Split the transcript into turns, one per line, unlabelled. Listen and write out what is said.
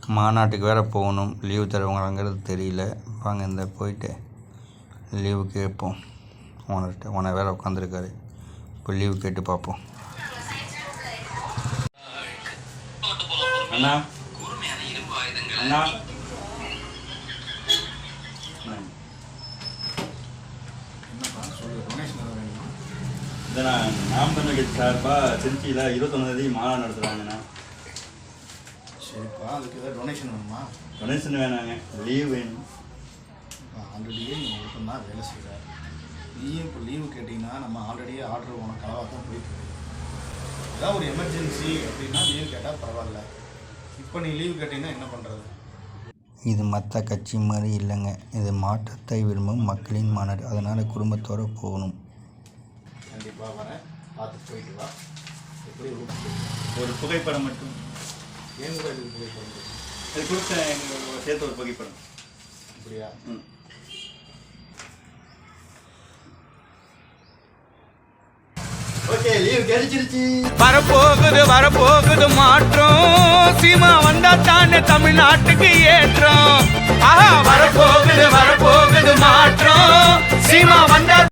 மாநாட்டுக்கு வேறு போகணும். லீவு தருவாங்களாங்கிறது தெரியல. வாங்க இந்த போயிட்டு லீவு கேட்போம். ஓனர் வேறு உட்காந்துருக்காரு. இப்போ லீவு கேட்டு பார்ப்போம். அண்ணா அண்ணா இதை நாம் தமிழ் கட்சி சார்பாக திருச்சியில் 21 மாநாடு நடத்துகிறாங்கண்ணா.
சரிப்பா, அதுக்கு ஏதாவது டொனேஷன் வேணுமா?
டொனேஷன் வேணாங்க, லீவ் வேணும்.
ஆல்ரெடியே நீங்கள் மட்டும் தான் வேலை செய்கிறார். நீயும் இப்போ லீவு கேட்டிங்கன்னா நம்ம ஆல்ரெடியே ஆர்டர் உனக்கு அளவாக தான் போயிட்டு ஏதாவது ஒரு எமர்ஜென்சி அப்படின்னா லீவு கேட்டால் பரவாயில்ல. இப்போ நீ லீவு கேட்டிங்கன்னா என்ன பண்ணுறது?
இது மற்ற கட்சி மாதிரி இல்லைங்க. இது மாற்றத்தை விரும்பும் மக்களின் மாநாடு. அதனால் குடும்பத்தோடு போகணும்.
கண்டிப்பாக வரேன், பார்த்து போயிட்டு வா. எப்படி
ஒரு புகைப்படம் மட்டும்.
ஏன் கூட இதுக்கு புகைப்படம்
அது கொடுத்த எங்களுக்கு சேர்த்து ஒரு புகைப்படம்.
அப்படியா?
ஓகே, லீவ் கிடைச்சிருச்சு.
வரப்போகுது மாற்றம். சீமா வந்தா தானே தமிழ்நாட்டுக்கு ஏற்றம். வரப்போகுது மாற்றம். சீமா வந்தா